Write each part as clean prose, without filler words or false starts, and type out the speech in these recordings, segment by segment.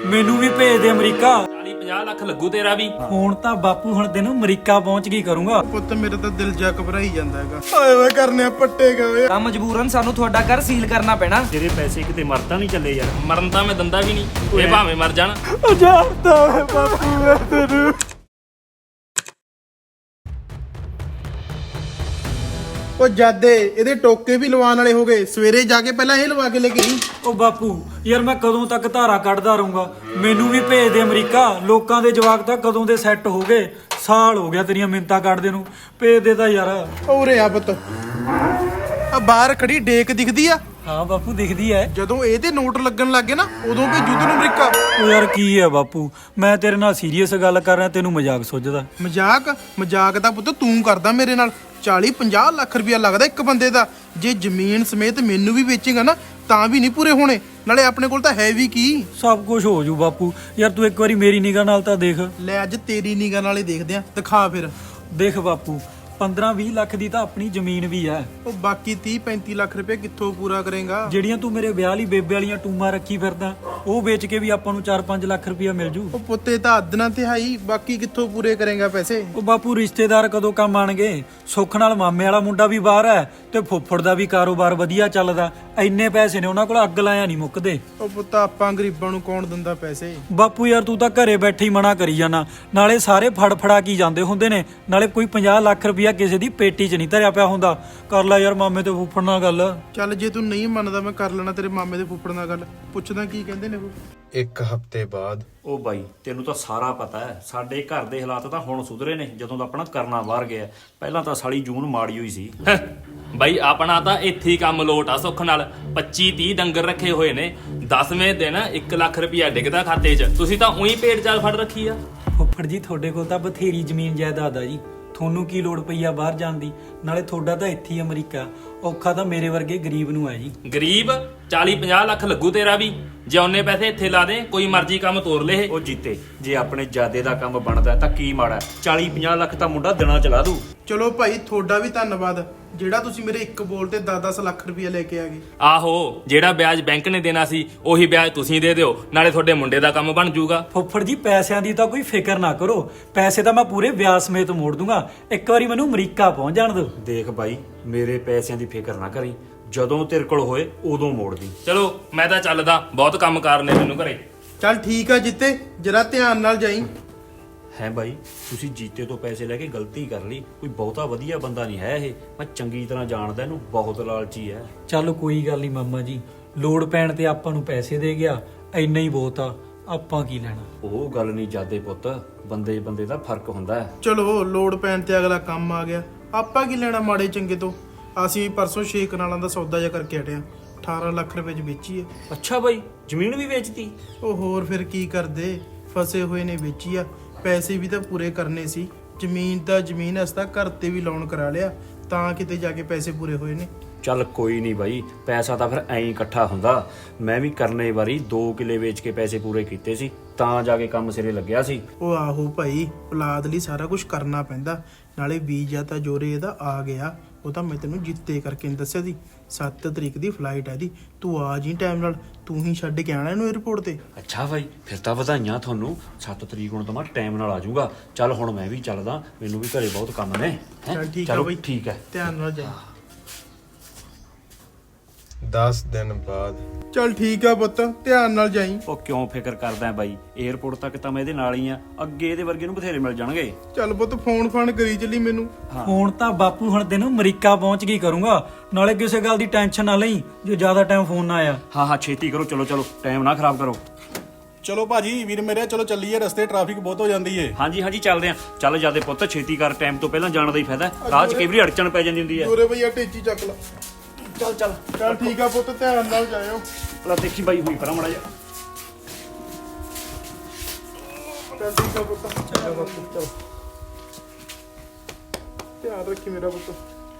ਮੈਨੂੰ ਵੀ ਭੇਜ ਦੇ ਅਮਰੀਕਾ। 40-50 ਲੱਖ ਲੱਗੂ ਤੇਰਾ ਵੀ। ਹੁਣ ਤਾਂ ਬਾਪੂ ਹੁਣ ਤੈਨੂੰ ਅਮਰੀਕਾ ਪਹੁੰਚ ਗਈ ਕਰੂੰਗਾ। ਪੁੱਤ ਮੇਰੇ ਤਾਂ ਦਿਲ ਜਾ ਘਬਰਾਈ ਜਾਂਦਾ ਹੈਗਾ। ਓਏ ਓਏ ਕਰਨੇ ਪੱਟੇ ਗਏ ਤਾਂ ਮਜਬੂਰਨ ਸਾਨੂੰ ਤੁਹਾਡਾ ਘਰ ਸੀਲ ਕਰਨਾ ਪੈਣਾ। ਤੇਰੇ ਪੈਸੇ ਕਿਤੇ ਮਰਦਾ ਨਹੀਂ ਚੱਲੇ ਯਾਰ। ਮਰਨ ਤਾਂ ਮੈਂ ਦੰਦਾ ਵੀ ਨਹੀਂ, ਇਹ ਭਾਵੇਂ ਮਰ ਜਾਣ। ਓ ਜਾਣਦਾ ਓਏ ਬਾਪੂ ਮੈਂ ਤੈਨੂੰ। ਓ ਜਾਦੇ ਇਹਦੇ ਟੋਕੇ ਵੀ ਲਵਾਉਣ ਵਾਲੇ ਹੋ ਗਏ। ਸਵੇਰੇ ਜਾ ਕੇ ਪਹਿਲਾਂ ਇਹ ਲਵਾ ਕੇ ਲੈ ਕੇ ਆਈ। ਉਹ ਬਾਪੂ ਯਾਰ ਮੈਂ ਕਦੋਂ ਤੱਕ ਧਾਰਾ ਕੱਢਦਾ ਰਹੂੰਗਾ। ਮੈਨੂੰ ਵੀ ਭੇਜ ਦੇ ਅਮਰੀਕਾ। ਲੋਕਾਂ ਦੇ ਜਵਾਕ ਤਾਂ ਕਦੋਂ ਦੇ ਸੈੱਟ ਹੋ ਗਏ। ਸਾਲ ਹੋ ਗਿਆ ਤੇਰੀਆਂ ਮਿੰਤਾਂ ਕੱਢਦੇ ਨੂੰ। ਭੇਜ ਦੇ ਤਾਂ ਯਾਰ। ਉਰੇ ਆ ਪੁੱਤ। ਆ ਬਾਹਰ ਖੜੀ ਡੇਕ ਦਿਖਦੀ ਆ। ਹਾਂ ਬਾਪੂ ਦਿਖਦੀ ਐ। ਜਦੋਂ ਇਹਦੇ ਨੋਟ ਲੱਗਣ ਲੱਗੇ ਨਾ ਉਦੋਂ ਭੇਜੂ ਤੈਨੂੰ ਅਮਰੀਕਾ। ਉਹ ਯਾਰ ਕੀ ਹੈ ਬਾਪੂ, ਮੈਂ ਤੇਰੇ ਨਾਲ ਸੀਰੀਅਸ ਗੱਲ ਕਰ ਰਿਹਾ, ਤੈਨੂੰ ਮਜ਼ਾਕ ਸੁੱਝਦਾ। ਮਜ਼ਾਕ ਤਾਂ ਪੁੱਤ ਤੂੰ ਕਰਦਾ ਮੇਰੇ ਨਾਲ। 40-50 ਲੱਖ ਰੁਪਇਆ ਲੱਗਦਾ ਇੱਕ ਬੰਦੇ ਦਾ। ਜੇ ਜ਼ਮੀਨ ਸਮੇਤ ਮੈਨੂੰ ਵੀ ਵੇਚੇਗਾ ਨਾ ਤਾਂ ਵੀ ਨਹੀਂ ਪੂਰੇ ਹੋਣੇ। ਨਾਲੇ ਆਪਣੇ ਕੋਲ ਤਾਂ ਹੈ ਵੀ ਕੀ। ਸਭ ਕੁਝ ਹੋ ਜੂ ਬਾਪੂ। ਯਾਰ ਤੂੰ ਇੱਕ ਵਾਰੀ ਮੇਰੀ ਨਿਗਾਹ ਨਾਲ ਤਾਂ ਦੇਖ। ਲੈ ਅੱਜ ਤੇਰੀ ਨਿਗਾਹ ਨਾਲ ਹੀ ਦੇਖਦੇ ਆ। ਦਿਖਾ ਫਿਰ। ਦੇਖ ਬਾਪੂ 15-20 ਲੱਖ ਦੀ ਤਾਂ ਆਪਣੀ ਜ਼ਮੀਨ ਵੀ ਐ। ਉਹ ਬਾਕੀ 30-35 ਲੱਖ ਰੁਪਏ ਕਿੱਥੋਂ ਪੂਰਾ ਕਰੇਗਾ। ਜਿਹੜੀਆਂ ਤੂੰ ਮੇਰੇ ਵਿਆਹ ਲਈ ਬੇਬੇ ਵਾਲੀਆਂ ਟੂਮਾਂ ਰੱਖੀ ਫਿਰਦਾ, ਉਹ ਵੇਚ ਕੇ ਵੀ ਆਪਾਂ ਨੂੰ 4-5 ਲੱਖ ਰੁਪਇਆ ਮਿਲ ਜੂ। ਉਹ ਪੁੱਤੇ ਤਾਂ ਅੱਧਨਾ ਤਿਹਾਈ, ਬਾਕੀ ਕਿੱਥੋਂ ਪੂਰੇ ਕਰੇਗਾ ਪੈਸੇ। ਉਹ ਬਾਪੂ ਰਿਸ਼ਤੇਦਾਰ ਕਦੋਂ ਕੰਮ ਆਣਗੇ। ਸੁੱਖ ਨਾਲ ਮਾਮੇ ਵਾਲਾ ਮੁੰਡਾ ਵੀ ਬਾਹਰ ਐ ਤੇ ਫੁੱਫੜ ਦਾ ਵੀ ਕਾਰੋਬਾਰ ਵਧੀਆ ਚੱਲਦਾ। ਇੰਨੇ ਪੈਸੇ ਨੇ ਉਹਨਾਂ ਕੋਲ, ਅੱਗ ਲਾਇਆ ਨਹੀਂ ਮੁੱਕਦੇ। ਉਹ ਪੁੱਤ ਆਪਾਂ ਗਰੀਬਾਂ ਨੂੰ ਕੌਣ ਦਿੰਦਾ ਪੈਸੇ। ਬਾਪੂ ਯਾਰ ਤੂੰ ਤਾਂ ਘਰੇ ਬੈਠੇ ਹੀ ਮਨਾ ਕਰੀ ਜਾਣਾ। ਨਾਲੇ ਸਾਰੇ ਫੜਾ ਕੀ ਜਾਂਦੇ ਹੁੰਦੇ ਨੇ। ਨਾਲੇ ਕੋਈ 50 ਲੱਖ ਰੁਪਇਆ ਕਿਸੇ ਦੀ ਪੇਟੀ 'ਚ ਨਹੀਂ ਧਰਿਆ ਪਿਆ ਹੁੰਦਾ। ਕਰ ਲੈ ਯਾਰ ਮਾਮੇ ਤੇ ਫੁੱਫੜ ਨਾਲ ਗੱਲ। ਚੱਲ ਜੇ ਤੂੰ ਨਹੀਂ ਮੰਨਦਾ ਮੈਂ ਕਰ ਲੈਣਾ ਤੇਰੇ ਮਾਮੇ ਦੇ ਫੁੱਫੜ ਨਾਲ ਗੱਲ। ਪੁੱਛਦਾ ਕੀ ਕਹਿੰਦੇ ਨੇ ਉਹ। ਇੱਕ ਹਫ਼ਤੇ ਬਾਅਦ। ਉਹ ਬਾਈ ਤੈਨੂੰ ਤਾਂ ਸਾਰਾ ਪਤਾ ਹੈ, ਸਾਡੇ ਘਰ ਦੇ ਹਾਲਾਤ ਤਾਂ ਹੁਣ ਸੁਧਰੇ ਨੇ ਜਦੋਂ ਦਾ ਆਪਣਾ ਕਰਨਾ ਬਾਹਰ ਗਿਆ। ਪਹਿਲਾਂ ਤਾਂ ਸਾਲੀ ਜੂਨ ਮਾੜੀ ਹੋਈ ਸੀ। ਬਾਈ ਆਪਣਾ ਤਾਂ ਇੱਥੇ ਹੀ ਕੰਮ ਲੋਟ ਆ। ਸੁੱਖ ਨਾਲ 25-30 ਡੰਗਰ ਰੱਖੇ ਹੋਏ ਨੇ। 10ਵੇਂ ਦਿਨ 1 ਲੱਖ ਰੁਪਇਆ ਡਿੱਗਦਾ ਖਾਤੇ 'ਚ। ਤੁਸੀਂ ਤਾਂ ਉਹੀ ਪੇਟ ਚਾਲ ਫੜ ਰੱਖੀ ਆ। ਫੁੱਫੜ ਜੀ ਤੁਹਾਡੇ ਕੋਲ ਤਾਂ ਬਥੇਰੀ ਜ਼ਮੀਨ ਜਾਇਦਾਦ ਆ ਜੀ। ਤੁਹਾਨੂੰ ਕੀ ਲੋੜ ਪਈ ਆ ਬਾਹਰ ਜਾਣ ਦੀ। ਨਾਲੇ ਤੁਹਾਡਾ ਤਾਂ ਇੱਥੇ ਹੀ ਅਮਰੀਕਾ। ਔਖਾ ਤਾਂ ਮੇਰੇ ਵਰਗੇ ਗਰੀਬ ਨੂੰ ਹੈ ਜੀ। ਗਰੀਬ 40-50 ਲੱਖ ਲੱਗੂ ਤੇਰਾ ਵੀ। ਜੇ ਉਹਨੇ ਪੈਸੇ ਇੱਥੇ ਲਾ ਦੇ, ਕੋਈ ਮਰਜ਼ੀ ਕੰਮ ਤੋਰ ਲੈ। ਉਹ ਜੀਤੇ ਜੇ ਆਪਣੇ ਜਾਦੇ ਦਾ ਕੰਮ ਬਣਦਾ ਤਾਂ ਕੀ ਮਾੜਾ। 40-50 ਲੱਖ ਤਾਂ ਮੁੰਡਾ ਦਿਨਾਂ ਚਲਾ ਦੂ। ਚਲੋ ਭਾਈ ਤੁਹਾਡਾ ਵੀ ਧੰਨਵਾਦ ਜਿਹੜਾ ਤੁਸੀਂ ਮੇਰੇ ਇੱਕ ਬੋਲ ਤੇ 10-10 ਲੱਖ ਰੁਪਇਆ ਲੈ ਕੇ ਆ ਗਏ। ਆਹੋ ਜਿਹੜਾ ਵਿਆਜ ਬੈਂਕ ਨੇ ਦੇਣਾ ਸੀ ਉਹੀ ਵਿਆਜ ਤੁਸੀਂ ਦੇ ਦਿਓ। ਨਾਲੇ ਤੁਹਾਡੇ ਮੁੰਡੇ ਦਾ ਕੰਮ ਬਣ ਜਾਊਗਾ। ਫੁੱਫੜ ਜੀ ਪੈਸਿਆਂ ਦੀ ਤਾਂ ਕੋਈ ਫਿਕਰ ਨਾ ਕਰੋ। ਪੈਸੇ ਤਾਂ ਮੈਂ ਪੂਰੇ ਵਿਆਜ ਸਮੇਤ ਮੋੜ ਦੂੰਗਾ। ਇੱਕ ਵਾਰੀ ਮੈਨੂੰ ਅਮਰੀਕਾ ਪਹੁੰਚ ਜਾਣ ਦਿਓ। ਦੇਖ ਬਾਈ ਮੇਰੇ ਪੈਸਿਆਂ ਦੀ ਫਿਕਰ ਨਾ ਕਰੀ, ਜਦੋਂ ਤੇਰੇ ਕੋਲ ਹੋਏ ਉਦੋਂ ਮੋੜਦੀ। ਚਲੋ ਮੈਂ ਤਾਂ ਚੱਲਦਾ, ਬਹੁਤ ਕੰਮ ਕਾਰ ਨੇ ਮੈਨੂੰ ਘਰੇ। ਚੱਲ ਠੀਕ ਆ ਜਿੱਤੇ, ਜਰਾ ਧਿਆਨ ਨਾਲ ਜਾਈ। ਹੈ ਬਾਈ ਤੁਸੀਂ ਜੀਤੇ ਤੋਂ ਪੈਸੇ ਲੈ ਕੇ ਗਲਤੀ ਕਰ ਲਈ। ਕੋਈ ਬਹੁਤਾ ਵਧੀਆ ਬੰਦਾ ਨਹੀਂ ਹੈ ਇਹ। ਮੈਂ ਚੰਗੀ ਤਰ੍ਹਾਂ ਜਾਣਦਾ ਇਹਨੂੰ, ਬਹੁਤ ਲਾਲਚੀ ਹੈ। ਚੱਲ ਕੋਈ ਗੱਲ ਨਹੀਂ ਮਾਮਾ ਜੀ, ਲੋੜ ਪੈਣ ਤੇ ਆਪਾਂ ਨੂੰ ਪੈਸੇ ਦੇ ਗਿਆ, ਇੰਨਾ ਹੀ ਬਹੁਤ ਆ। ਆਪਾਂ ਕੀ ਲੈਣਾ। ਉਹ ਗੱਲ ਨਹੀਂ ਜਾਦੇ ਪੁੱਤ, ਬੰਦੇ ਬੰਦੇ ਦਾ ਫਰਕ ਹੁੰਦਾ ਹੈ। ਚਲੋ ਲੋੜ ਪੈਣ ਤੇ ਅਗਲਾ ਕੰਮ ਆ ਗਿਆ। ਆਪਾਂ ਕੀ ਲੈਣਾ ਮਾੜੇ ਚੰਗੇ ਤੋਂ। ਅਸੀਂ ਪਰਸੋਂ 6 ਕਨਾਲਾਂ ਦਾ ਸੌਦਾ ਜਿਹਾ ਕਰਕੇ ਹਟਿਆ। 18 ਲੱਖ ਰੁਪਏ ਚ ਵੇਚੀ ਹੈ। ਅੱਛਾ ਬਾਈ ਜ਼ਮੀਨ ਵੀ ਵੇਚਤੀ। ਉਹ ਹੋਰ ਫਿਰ ਕੀ ਕਰਦੇ, ਫਸੇ ਹੋਏ ਨੇ ਵੇਚੀ ਆ। ਪੈਸੇ ਵੀ ਤਾਂ ਪੂਰੇ ਕਰਨੇ ਸੀ। ਜ਼ਮੀਨ ਤਾਂ ਜ਼ਮੀਨ ਅਸਤਾ ਘਰ ਤੇ ਵੀ ਲੋਨ ਕਰਾ ਲਿਆ, ਤਾਂ ਕਿਤੇ ਜਾ ਕੇ ਪੈਸੇ ਪੂਰੇ ਹੋਏ ਨੇ। ਚੱਲ ਕੋਈ ਨਹੀਂ ਬਾਈ, ਪੈਸਾ ਤਾਂ ਫਿਰ ਐਂ ਇਕੱਠਾ ਹੁੰਦਾ। ਮੈਂ ਵੀ ਕਰਨੇ ਵਾਰੀ 2 ਕਿੱਲੇ ਵੇਚ ਕੇ ਪੈਸੇ ਪੂਰੇ ਕੀਤੇ ਸੀ, ਤਾਂ ਜਾ ਕੇ ਕੰਮ ਸਿਰੇ ਲੱਗਿਆ ਸੀ। ਉਹ ਆਹੋ ਭਾਈ, ਔਲਾਦ ਲਈ ਸਾਰਾ ਕੁਝ ਕਰਨਾ ਪੈਂਦਾ। ਨਾਲੇ ਵੀਜ਼ਾ ਤਾਂ ਜੋਰੇ ਇਹਦਾ ਆ ਗਿਆ। ਉਹ ਤਾਂ ਮੈਂ ਤੈਨੂੰ ਜਿੱਤੇ ਕਰਕੇ ਨਹੀਂ ਦੱਸਿਆ ਸੀ। 7 ਤਰੀਕ ਦੀ ਫਲਾਈਟ ਹੈ ਦੀ। ਤੂੰ ਆ ਜੀ ਟਾਈਮ ਨਾਲ, ਤੂੰ ਹੀ ਛੱਡ ਕੇ ਆਣਾ ਇਹਨੂੰ 에어ਪੋਰਟ ਤੇ। ਅੱਛਾ ਬਾਈ ਫਿਰ ਤਾਂ ਵਧਾਈਆਂ ਤੁਹਾਨੂੰ। 7 ਤਰੀਕ ਨੂੰ ਤਾਂ ਮੈਂ ਟਾਈਮ ਨਾਲ ਆ ਜਾਊਗਾ। ਚੱਲ ਹੁਣ ਮੈਂ ਵੀ ਚੱਲਦਾ, ਮੈਨੂੰ ਵੀ ਘਰੇ ਬਹੁਤ ਕੰਮ ਨੇ। ਚੱਲ ਠੀਕ ਆ ਚਲੋ ਬਾਈ, ਠੀਕ ਹੈ। ਧਿਆਨ ਨਾਲ ਜਾ। 10 ਦਿਨ ਬਾਅਦ। ਚੱਲ ਠੀਕ ਆ ਪੁੱਤ, ਧਿਆਨ ਨਾਲ ਜਾਈ। ਉਹ ਕਿਉਂ ਫਿਕਰ ਕਰਦਾ ਬਾਈ, 에어ਪੋਰਟ ਤੱਕ ਤਾਂ ਮੈਂ ਇਹਦੇ ਨਾਲ ਹੀ ਆ। ਅੱਗੇ ਇਹਦੇ ਵਰਗੇ ਨੂੰ ਬਥੇਰੇ ਮਿਲ ਜਾਣਗੇ। ਚੱਲ ਪੁੱਤ ਫੋਨ ਫਾਨ ਕਰੀ ਚੱਲੀ ਮੈਨੂੰ। ਹੁਣ ਤਾਂ ਬਾਪੂ ਹੁਣ ਤੈਨੂੰ ਅਮਰੀਕਾ ਪਹੁੰਚ ਗਈ ਕਰੂੰਗਾ। ਨਾਲੇ ਕਿਸੇ ਗੱਲ ਦੀ ਟੈਨਸ਼ਨ ਨਾ ਲਈ ਜੇ ਜ਼ਿਆਦਾ ਟਾਈਮ ਫੋਨ ਨਾ ਆਇਆ। ਹਾਂ ਛੇਤੀ ਕਰੋ, ਚਲੋ ਚਲੋ ਟਾਈਮ ਨਾ ਖਰਾਬ ਕਰੋ। ਚਲੋ ਭਾਜੀ ਵੀਰ ਮੇਰੇ, ਚਲੋ ਚੱਲੀਏ, ਰਸਤੇ ਟ੍ਰੈਫਿਕ ਬਹੁਤ ਹੋ ਜਾਂਦੀ ਏ। ਹਾਂਜੀ ਚੱਲਦੇ ਆ। ਚੱਲ ਜਾਦੇ ਪੁੱਤ ਛੇਤੀ ਕਰ, ਟਾਈਮ ਤੋਂ ਪਹਿਲਾਂ ਜਾਣ ਦਾ ਹੀ ਫਾਇਦਾ। ਰਾਹ 'ਚ ਕਈ ਵਾਰੀ ਅੜਚਣ ਪੈ ਜਾਂਦੀ ਹੁੰਦੀ ਹੈ। ਦੋਰੇ ਭਈਆ ਟੇਚੀ ਚੱਕ ਲਾ। ਚੱਲ ਠੀਕ ਆ ਪੁੱਤ, ਧਿਆਨ ਨਾਲ ਜਾਇਓ। ਪਹਿਲਾਂ ਦੇਖੀ ਬਾਈ ਹੋਈ ਪਰਾਂ ਮੜਾ ਜਾ। ਚੱਲ ਠੀਕ ਆ ਪੁੱਤ, ਚਲੋ ਧਿਆਨ ਰੱਖੀ ਮੇਰਾ ਪੁੱਤ।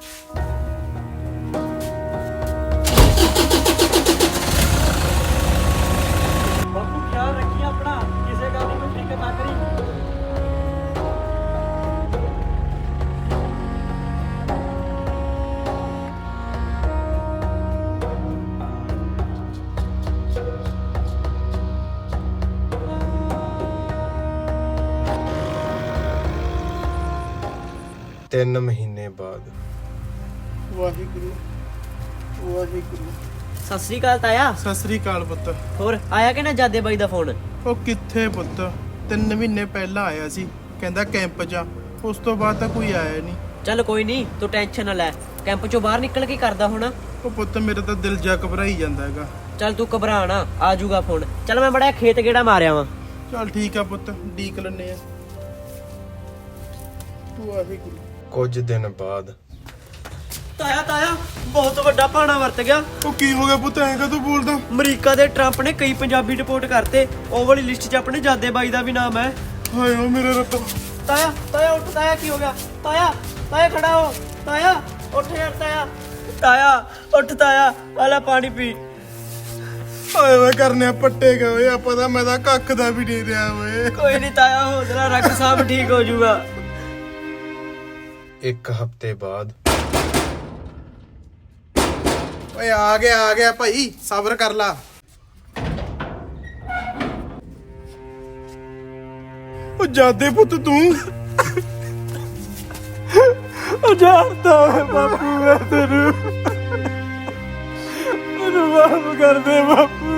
ਬਾਪੂ ਖਿਆਲ ਰੱਖੀ ਆਪਣਾ, ਕਿਸੇ ਗੱਲ ਦੀ ਕੋਈ ਫਿਕਰ ਨਾ ਕਰੀ। 3 ਮਹੀਨੇ ਬਾਅਦ ਵਾਹਿਗੁਰੂ ਵਾਹਿਗੁਰੂ। ਸਤਿ ਸ੍ਰੀ ਅਕਾਲ ਤਾਇਆ। ਸਤਿ ਸ੍ਰੀ ਅਕਾਲ ਪੁੱਤ। ਹੋਰ ਆਇਆ ਕਿ ਨਾ ਜਾਦੇ ਬਾਈ ਦਾ ਫੋਨ? ਉਹ ਕਿੱਥੇ ਪੁੱਤ, 3 ਮਹੀਨੇ ਪਹਿਲਾਂ ਆਇਆ ਸੀ, ਕਹਿੰਦਾ ਕੈਂਪ 'ਚ ਆ। ਉਸ ਤੋਂ ਬਾਅਦ ਤਾਂ ਕੋਈ ਆਇਆ ਨਹੀਂ। ਚੱਲ ਕੋਈ ਨਹੀਂ, ਤੂੰ ਟੈਨਸ਼ਨ ਨਾ ਲੈ। ਕੈਂਪ ਚੋਂ ਬਾਹਰ ਨਿਕਲ ਕੇ ਕਰਦਾ ਹੋਣਾ। ਉਹ ਪੁੱਤ ਮੇਰਾ ਤਾਂ ਦਿਲ ਜਾ ਘਬਰਾਈ ਜਾਂਦਾ ਹੈਗਾ। ਚੱਲ ਤੂੰ ਘਬਰਾ ਨਾ, ਆ ਜਾਊਗਾ ਫੋਨ। ਚੱਲ ਮੈਂ ਬੜਾ ਖੇਤ ਗੇੜਾ ਮਾਰਿਆ ਵਾਂ। ਚੱਲ ਠੀਕ ਆ ਪੁੱਤ, ਡੀਕ ਲੈਨੇ ਆ। ਵਾਹਿਗੁਰੂ। ਕੁਝ ਦਿਨ ਬਾਅਦ ਤਾਇਆ ਬਹੁਤ ਵੱਡਾ ਭਾਣਾ ਵਰਤ ਗਿਆ। ਉਹ ਕੀ ਹੋ ਗਿਆ ਪੁੱਤ, ਐਂ ਕਾ ਤੂੰ ਬੋਲਦਾ? ਅਮਰੀਕਾ ਦੇ ਟਰੰਪ ਨੇ ਕਈ ਪੰਜਾਬੀ ਡਿਪੋਰਟ ਕਰਤੇ। ਉਹ ਵਾਲੀ ਲਿਸਟ 'ਚ ਆਪਣੇ ਜਾਦੇ ਬਾਈ ਦਾ ਵੀ ਨਾਮ ਹੈ। ਹਾਏ ਓ ਮੇਰੇ ਰੱਬ। ਤਾਇਆ ਉੱਠ। ਤਾਇਆ ਕੀ ਹੋ ਗਿਆ? ਤਾਇਆ ਖੜਾ ਹੋ। ਤਾਇਆ ਉੱਠ ਯਾਰ। ਤਾਇਆ ਉੱਠ। ਤਾਇਆ ਆਲਾ ਪਾਣੀ ਪੀ। ਹਾਏ ਵੇ ਕਰਨੇ ਪੱਟੇ ਗਏ ਓਏ, ਆਪਾਂ ਤਾਂ ਮੈਂ ਤਾਂ ਕੱਖ ਦਾ ਵੀ ਨਹੀਂ ਰਿਹਾ ਓਏ। ਕੋਈ ਨਹੀਂ ਤਾਇਆ, ਹੌਸਲਾ ਰੱਖ, ਸਭ ਠੀਕ ਹੋ ਜਾਊਗਾ। 1 ਹਫ਼ਤੇ ਬਾਅਦ ਓਏ ਆ ਗਿਆ ਭਾਈ, ਸਬਰ ਕਰ ਲਾ। ਉਹ ਜਾਦੇ ਪੁੱਤ ਤੂੰ। ਉਹ ਜਾਣਦਾ ਓਏ ਬਾਪੂ, ਮੈਂ ਤੈਨੂੰ ਮੈਨੂੰ ਮਾਫ ਕਰ ਦੇ ਬਾਪੂ।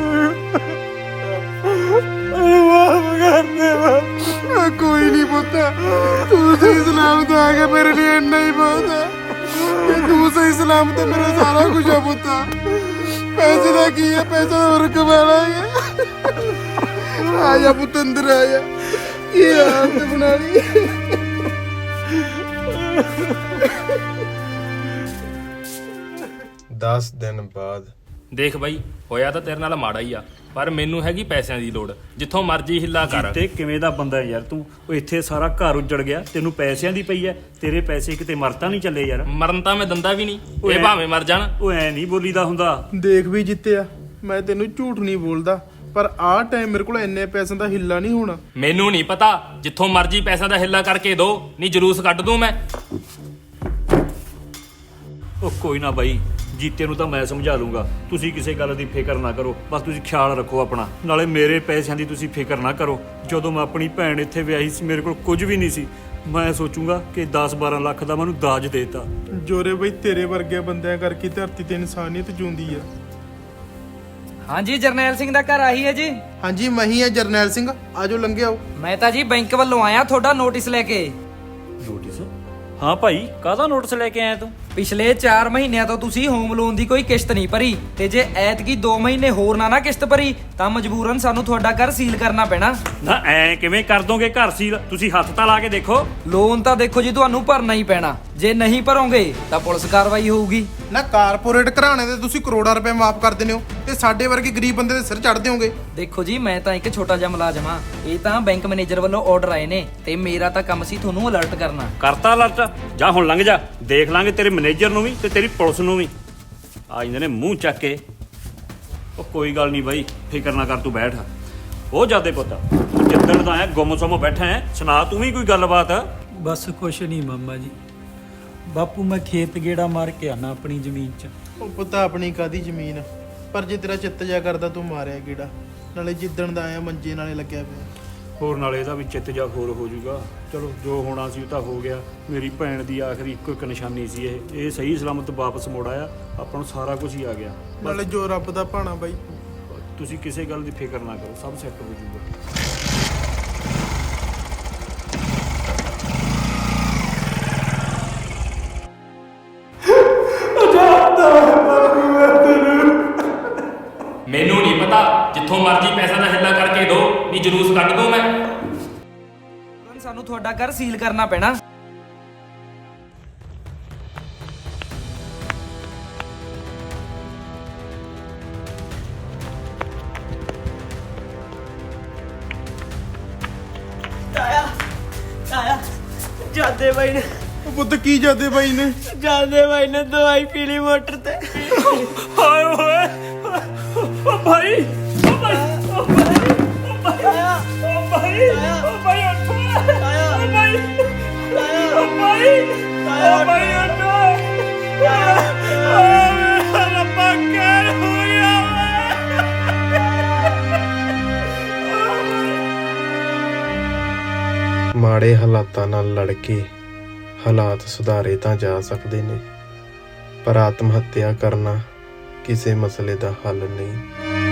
ਮੈਨੂੰ ਮਾਫ ਕਰ ਦੇ ਬਾਪੂ। ਕੋਈ ਨਹੀਂ ਪੁੱਤ, ਤੂੰ ਸਹੀ ਸਲਾਮਤ ਆ ਗਿਆ, ਮੇਰੇ ਲਈ ਇੰਨਾ ਹੀ ਬਹੁਤ ਹੈ। ਤੂੰ ਸਹੀ ਸਲਾਮਤ, ਮੇਰਾ ਸਾਰਾ ਕੁਝ ਆ ਪੁੱਤ। ਪੈਸੇ ਦਾ ਕੀ ਹੈ, ਪੈਸਾ ਹੋਰ ਕਮਾ ਲਾਂਗੇ। ਆ ਜਾ ਪੁੱਤ, ਅੰਦਰ ਆ ਜਾ। ਕੀ ਹਾਲਤ ਬਣਾ ਲਈ। 10 ਦਿਨ ਬਾਅਦ ਦੇਖ ਬਾਈ, ਹੋਇਆ ਤਾਂ ਤੇਰੇ ਨਾਲ ਮਾੜਾ ਹੀ ਆ, ਪਰ ਮੈਨੂੰ ਹੈਗੀ ਪੈਸਿਆਂ ਦੀ ਲੋੜ। ਜਿੱਥੋਂ ਮਰਜ਼ੀ ਹਿੱਲਾ ਕਰ। ਤੇ ਕਿਵੇਂ ਦਾ ਬੰਦਾ ਯਾਰ ਤੂੰ? ਉਹ ਇੱਥੇ ਸਾਰਾ ਘਰ ਉੱਜੜ ਗਿਆ, ਤੈਨੂੰ ਪੈਸਿਆਂ ਦੀ ਪਈ ਐ। ਤੇਰੇ ਪੈਸੇ ਕਿਤੇ ਮਰਤਾ ਨਹੀਂ ਚੱਲੇ ਯਾਰ। ਮਰਨ ਤਾਂ ਮੈਂ ਦੰਦਾ ਵੀ ਨਹੀਂ, ਓਏ ਇਹ ਭਾਵੇਂ ਮਰ ਜਾਣ। ਉਹ ਐ ਨਹੀਂ ਬੋਲੀਦਾ ਹੁੰਦਾ। ਦੇਖ ਵੀ ਜਿੱਤਿਆ, ਮੈਂ ਤੈਨੂੰ ਝੂਠ ਨਹੀਂ ਬੋਲਦਾ, ਪਰ ਆਹ ਟਾਈਮ ਮੇਰੇ ਕੋਲ ਇੰਨੇ ਪੈਸਿਆਂ ਦਾ ਹਿੱਲਾ ਨਹੀਂ ਹੋਣਾ। ਮੈਨੂੰ ਨਹੀਂ ਪਤਾ, ਜਿੱਥੋਂ ਮਰਜ਼ੀ ਪੈਸਿਆਂ ਦਾ ਹਿੱਲਾ ਕਰਕੇ ਦੋ, ਨਹੀਂ ਜਲੂਸ ਕੱਢ ਦੂੰ ਮੈਂ। ਉਹ ਕੋਈ ਨਾ ਬਾਈ, ਜੀਤੇ ਨੂੰ ਤਾਂ ਮੈਂ ਸਮਝਾ ਲੂੰਗਾ। ਤੁਸੀਂ ਕਿਸੇ ਗੱਲ ਦੀ ਫਿਕਰ ਨਾ ਕਰੋ, ਬਸ ਤੁਸੀਂ ਖਿਆਲ ਰੱਖੋ ਆਪਣਾ। ਨਾਲੇ ਮੇਰੇ ਪੈਸਿਆਂ ਦੀ ਤੁਸੀਂ ਫਿਕਰ ਨਾ ਕਰੋ। ਜਦੋਂ ਮੈਂ ਆਪਣੀ ਭੈਣ ਇੱਥੇ ਵਿਆਹੀ ਸੀ, ਮੇਰੇ ਕੋਲ ਕੁਝ ਵੀ ਨਹੀਂ ਸੀ। ਮੈਂ ਸੋਚੂੰਗਾ ਕਿ 10-12 ਲੱਖ ਦਾ ਮੈਨੂੰ ਦਾਜ ਦੇਤਾ। ਜੋਰੇ ਬਈ, ਤੇਰੇ ਵਰਗੇ ਬੰਦਿਆਂ ਕਰਕੇ ਧਰਤੀ ਤੇ ਇਨਸਾਨੀਅਤ ਜਿਉਂਦੀ ਆ। ਹਾਂਜੀ, ਜਰਨੈਲ ਸਿੰਘ ਦਾ ਘਰ ਆਹੀ ਹੈ ਜੀ। ਹਾਂਜੀ, ਮੈਂ ਹੀ ਆ ਜਰਨੈਲ ਸਿੰਘ, ਆਜੋ ਲੰਘੇ ਆਓ। ਮੈਂ ਤਾਂ ਜੀ ਬੈਂਕ ਵੱਲੋਂ ਆਇਆ ਤੁਹਾਡਾ ਨੋਟਿਸ ਲੈ ਕੇ। ਨੋਟਿਸ? ਹਾਂ ਭਾਈ, ਕਾਹਦਾ ਨੋਟਿਸ ਲੈ ਕੇ ਆਇਆ ਤੂੰ? ਪਿਛਲੇ 4 ਮਹੀਨਿਆਂ ਤੋਂ ਤੁਸੀਂ ਹੋਮ ਲੋਨ ਦੀ ਕੋਈ ਕਿਸ਼ਤ ਨਹੀਂ ਭਰੀ, ਤੇ ਜੇ ਐਤਕੀ 2 ਮਹੀਨੇ ਹੋਰ ਨਾ ਕਿਸ਼ਤ ਭਰੀ ਤਾਂ ਮਜਬੂਰਨ ਸਾਨੂੰ ਤੁਹਾਡਾ ਘਰ ਸੀਲ ਕਰਨਾ ਪੈਣਾ। ਨਾ ਐ ਕਿਵੇਂ ਕਰ ਦੋਗੇ ਘਰ ਸੀਲ? ਤੁਸੀਂ ਹੱਥ ਤਾਂ ਲਾ ਕੇ ਦੇਖੋ। ਲੋਨ ਤਾਂ ਦੇਖੋ ਜੀ ਤੁਹਾਨੂੰ ਭਰਨਾ ਹੀ ਪੈਣਾ। ਜੇ ਨਹੀਂ ਭਰੋਗੇ ਤਾਂ ਪੁਲਿਸ ਕਾਰਵਾਈ ਹੋਊਗੀ। ਨਾ ਕਾਰਪੋਰੇਟ ਘਰਾਣੇ ਦੇ ਤੁਸੀਂ ਕਰੋੜਾਂ ਰੁਪਏ ਮਾਫ ਕਰ ਦਿੰਦੇ ਹੋ, ਤੇ ਸਾਡੇ ਵਰਗੇ ਗਰੀਬ ਬੰਦੇ ਦੇ ਸਿਰ ਚੜ੍ਹਦੇ ਹੋਗੇ। ਦੇਖੋ ਜੀ, ਮੈਂ ਤਾਂ ਇੱਕ ਛੋਟਾ ਜਿਹਾ ਮੁਲਾਜ਼ਮ ਆ। ਇਹ ਤਾਂ ਬੈਂਕ ਮੈਨੇਜਰ ਵੱਲੋਂ ਆਰਡਰ ਆਏ ਨੇ, ਤੇ ਮੇਰਾ ਤਾਂ ਕੰਮ ਸੀ ਤੁਹਾਨੂੰ ਅਲਰਟ ਕਰਨਾ। ਕਰਤਾ ਅਲਰਟ? ਜਾ ਹੁਣ ਲੰਘ ਜਾ, ਦੇਖ ਲਾਂਗੇ ਤੇਰੇ ਮੈਨੇਜਰ ਨੂੰ ਵੀ ਤੇ ਤੇਰੀ ਪੁਲਿਸ ਨੂੰ ਵੀ। ਆ ਜਾਂਦੇ ਨੇ ਮੂੰਹ ਚੱਕ ਕੇ। ਉਹ ਕੋਈ ਗੱਲ ਨਹੀਂ ਬਾਈ, ਫਿਕਰ ਨਾ ਕਰ, ਤੂੰ ਬੈਠ। ਉਹ ਜਾਦੇ ਪੁੱਤ, ਤੂੰ ਜਿੱਦਣ ਦਾ ਆਇਆ ਗੁੰਮ-ਸੁੰਮ ਬੈਠਾ ਹੈ, ਸੁਣਾ ਤੂੰ ਵੀ ਕੋਈ ਗੱਲਬਾਤ। ਬਸ ਕੁਛ ਨਹੀਂ ਮਾਮਾ ਜੀ। ਬਾਪੂ ਮੈਂ ਖੇਤ ਗੇੜਾ ਮਾਰ ਕੇ ਆਣਾ ਆਪਣੀ ਜ਼ਮੀਨ 'ਚ। ਉਹ ਪੁੱਤਾ ਆਪਣੀ ਕਾਦੀ ਜ਼ਮੀਨ, ਪਰ ਜੇ ਤੇਰਾ ਚਿੱਤ ਜਾ ਕਰਦਾ ਤੂੰ ਮਾਰਿਆ ਗੇੜਾ। ਨਾਲੇ ਜਿੱਦਣ ਦਾ ਆਇਆ ਮੰਜੇ ਨਾਲੇ ਲੱਗਿਆ ਪਿਆ। ਹੋਰ ਨਾਲੇ ਇਹਦਾ ਵੀ ਚਿੱਤ ਜਾ ਹੋਰ ਹੋ ਜਾਊਗਾ। ਚਲੋ ਜੋ ਹੋਣਾ ਸੀ ਉਹ ਤਾਂ ਹੋ ਗਿਆ। ਮੇਰੀ ਭੈਣ ਦੀ ਆਖਰੀ ਇੱਕੋ ਇੱਕ ਨਿਸ਼ਾਨੀ ਸੀ ਇਹ ਸਹੀ ਸਲਾਮਤ ਵਾਪਸ ਮੁੜ ਆਇਆ। ਆਪਾਂ ਨੂੰ ਸਾਰਾ ਕੁਝ ਹੀ ਆ ਗਿਆ। ਨਾਲੇ ਜੋ ਰੱਬ ਦਾ ਭਾਣਾ ਬਾਈ। ਤੁਸੀਂ ਕਿਸੇ ਗੱਲ ਦੀ ਫਿਕਰ ਨਾ ਕਰੋ, ਸਭ ਸੈੱਟ ਹੋ ਜਾਊਗਾ। ਮੈਨੂੰ ਨਹੀਂ ਪਤਾ, ਜਿੱਥੋਂ ਮਰਜ਼ੀ ਪੈਸਾ ਦਾ ਹਿੱਲਾ ਕਰਕੇ ਦੋ, ਨਹੀਂ ਜਲੂਸ ਕੱਢ ਦੂੰ ਮੈਂ। ਸਾਨੂੰ ਤੁਹਾਡਾ ਘਰ ਸੀਲ ਕਰਨਾ ਪੈਣਾ। ਤਾਇਆ ਜਾਦੇ ਬਾਈ ਨੇ ਉਹ ਪੁੱਤ ਕੀ ਜਾਦੇ ਬਾਈ ਨੇ? ਦਵਾਈ ਪੀ ਲਈ ਮੋਟਰ ਤੇ। ਹਾਏ ਓਏ, ਓ ਭਾਈ, ਓ ਭਾਈ, ਓ ਭਾਈ, ਓ ਭਾਈ, ਓ ਭਾਈ, ਓ ਭਾਈ ਉੱਠ। ਓ ਭਾਈ, ਓ ਭਾਈ, ਓ ਭਾਈ ਉੱਠ। ਰੱਬਾ ਕੀ ਹੋ ਗਿਆ? ਮਾੜੇ ਹਾਲਾਤਾਂ ਨਾਲ ਲੜ ਕੇ ਹਾਲਾਤ ਸੁਧਾਰੇ ਤਾਂ ਜਾ ਸਕਦੇ ਨੇ, ਪਰ ਆਤਮ ਹੱਤਿਆ ਕਰਨਾ ਕਿਸੇ ਮਸਲੇ ਦਾ ਹੱਲ ਨਹੀਂ।